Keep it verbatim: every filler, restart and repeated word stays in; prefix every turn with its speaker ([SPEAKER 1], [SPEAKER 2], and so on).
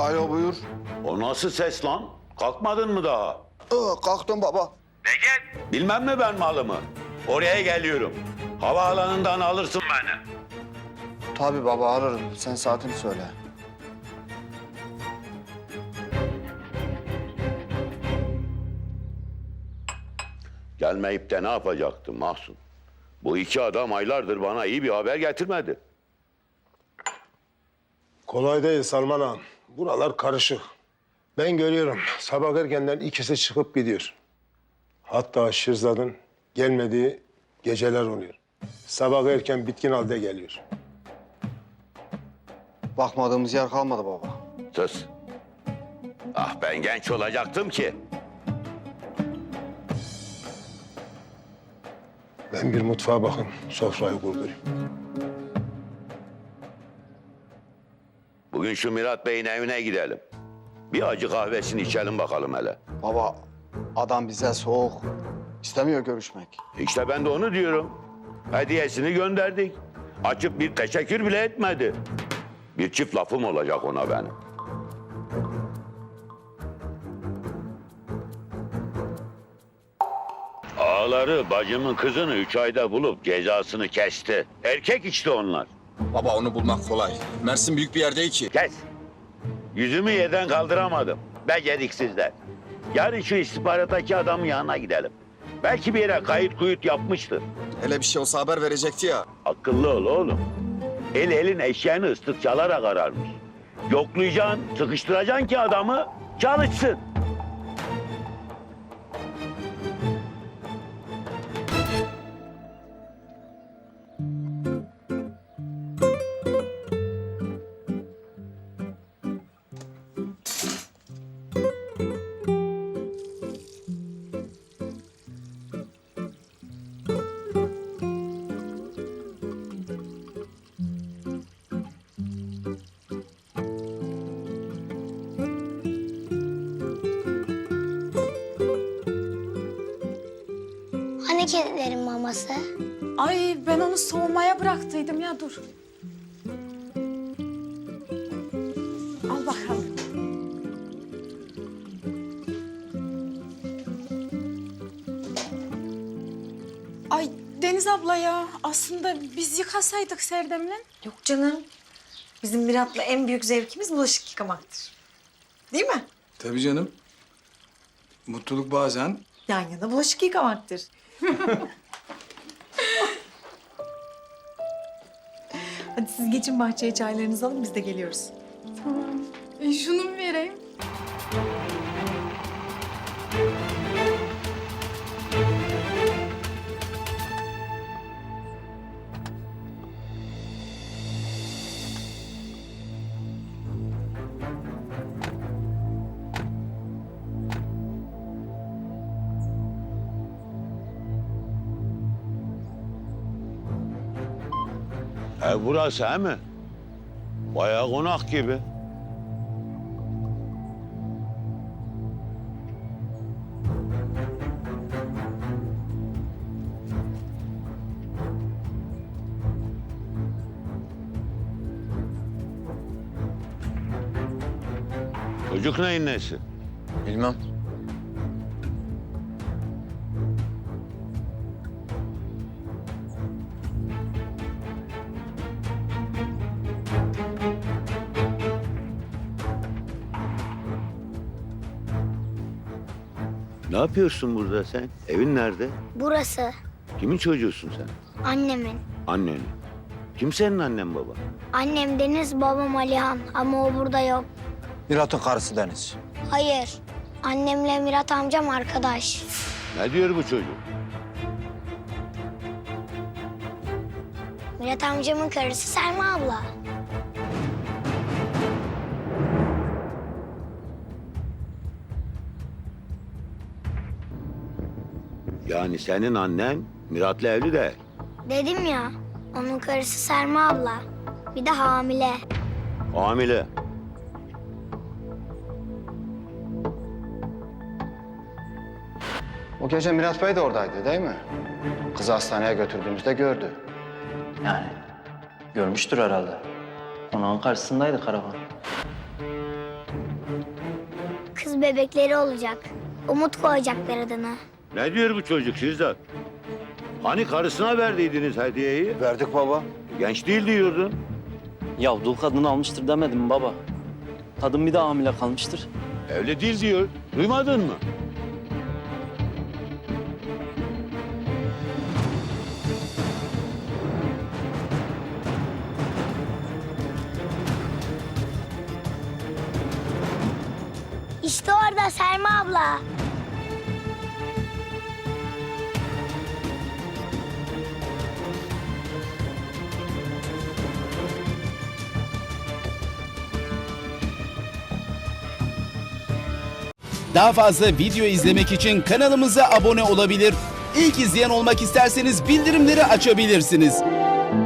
[SPEAKER 1] Alo buyur.
[SPEAKER 2] O nasıl ses lan? Kalkmadın mı daha?
[SPEAKER 1] Aa, kalktım baba.
[SPEAKER 2] Necdet! Bilmem mi ben malımı? Oraya geliyorum. Havaalanından alırsın beni.
[SPEAKER 1] Tabii baba ararım. Sen saatini söyle.
[SPEAKER 2] Gelmeyip de ne yapacaktım Mahsun? Bu iki adam aylardır bana iyi bir haber getirmedi.
[SPEAKER 3] Kolay değil Salman ağam. Buralar karışık. Ben görüyorum sabah erkenden ikisi çıkıp gidiyor. Hatta Şirzad'ın gelmediği geceler oluyor. Sabah erken bitkin halde geliyor.
[SPEAKER 1] Bakmadığımız yer kalmadı baba.
[SPEAKER 2] Sus. Ah ben genç olacaktım ki.
[SPEAKER 3] Ben bir mutfağa bakın, sofrayı kurdurayım.
[SPEAKER 2] Bugün şu Mirat Bey'in evine gidelim. Bir acı kahvesini içelim bakalım hele.
[SPEAKER 1] Baba adam bize soğuk. İstemiyor görüşmek.
[SPEAKER 2] İşte ben de onu diyorum. Hediyesini gönderdik. Açıp bir teşekkür bile etmedi. Bir çift lafım olacak ona benim. Ağaları bacımın kızını üç ayda bulup cezasını kesti. Erkek işte onlar.
[SPEAKER 4] Baba onu bulmak kolay. Mersin büyük bir yer değil ki.
[SPEAKER 2] Kes. Yüzümü yerden kaldıramadım. Beceriksizler. Yarın şu istihbarattaki adamın yanına gidelim. Belki bir yere kayıt kuyut yapmıştır.
[SPEAKER 4] Hele bir şey olsa haber verecekti ya.
[SPEAKER 2] Akıllı ol oğlum. El elin eşeğini ıslık çalarak ararmış. Yoklayacaksın, sıkıştıracaksın ki adamı çalışsın.
[SPEAKER 5] Hani kedilerin maması?
[SPEAKER 6] Ay ben onu soğumaya bıraktıydım ya dur. Al bakalım. Ay Deniz abla ya aslında biz yıkasaydık Serdem'le.
[SPEAKER 7] Yok canım. Bizim Mirat'la en büyük zevkimiz bulaşık yıkamaktır. Değil mi?
[SPEAKER 4] Tabii canım. Mutluluk bazen
[SPEAKER 7] Yan yana bulaşık yıkamaktır. Hadi siz geçin bahçeye çaylarınızı alın biz de geliyoruz.
[SPEAKER 6] Tamam. E, şunu mu vereyim?
[SPEAKER 2] E burası he mi? Bayağı konak gibi. Çocuk neyin nesi?
[SPEAKER 4] bilmem.
[SPEAKER 2] Ne yapıyorsun burada sen? Evin nerede?
[SPEAKER 5] Burası
[SPEAKER 2] Kimin çocuğusun sen?
[SPEAKER 5] annemin.
[SPEAKER 2] Annenin. Kim senin annen baba?
[SPEAKER 5] Annem Deniz, babam Alihan ama o burada yok.
[SPEAKER 1] Mirat'ın karısı Deniz.
[SPEAKER 5] Hayır. Annemle Mirat amcam arkadaş.
[SPEAKER 2] Ne diyor bu çocuk?
[SPEAKER 5] Mirat amcamın karısı Selma abla.
[SPEAKER 2] Yani senin annen Mirat'la evli de.
[SPEAKER 5] Dedim ya, onun karısı Selma abla. Bir de hamile.
[SPEAKER 2] Hamile.
[SPEAKER 1] O gece Mirat Bey de oradaydı değil mi? Kızı hastaneye götürdüğümüzde gördü.
[SPEAKER 8] Yani görmüştür herhalde. Konağın karşısındaydı karavan.
[SPEAKER 5] bir bebekleri olacak. Umut koyacaklar adını.
[SPEAKER 2] Ne diyor bu çocuk Şirzat? Hani karısına verdiydiniz hediyeyi?
[SPEAKER 1] Verdik baba.
[SPEAKER 2] Genç değil diyordun.
[SPEAKER 8] Ya dul kadını almıştır demedim mi baba? Kadın bir daha hamile kalmıştır.
[SPEAKER 2] Evli değil diyor. Duymadın mı?
[SPEAKER 5] İşte orada Selma abla.
[SPEAKER 9] Daha fazla video izlemek için kanalımıza abone olabilir. İlk izleyen olmak isterseniz bildirimleri açabilirsiniz.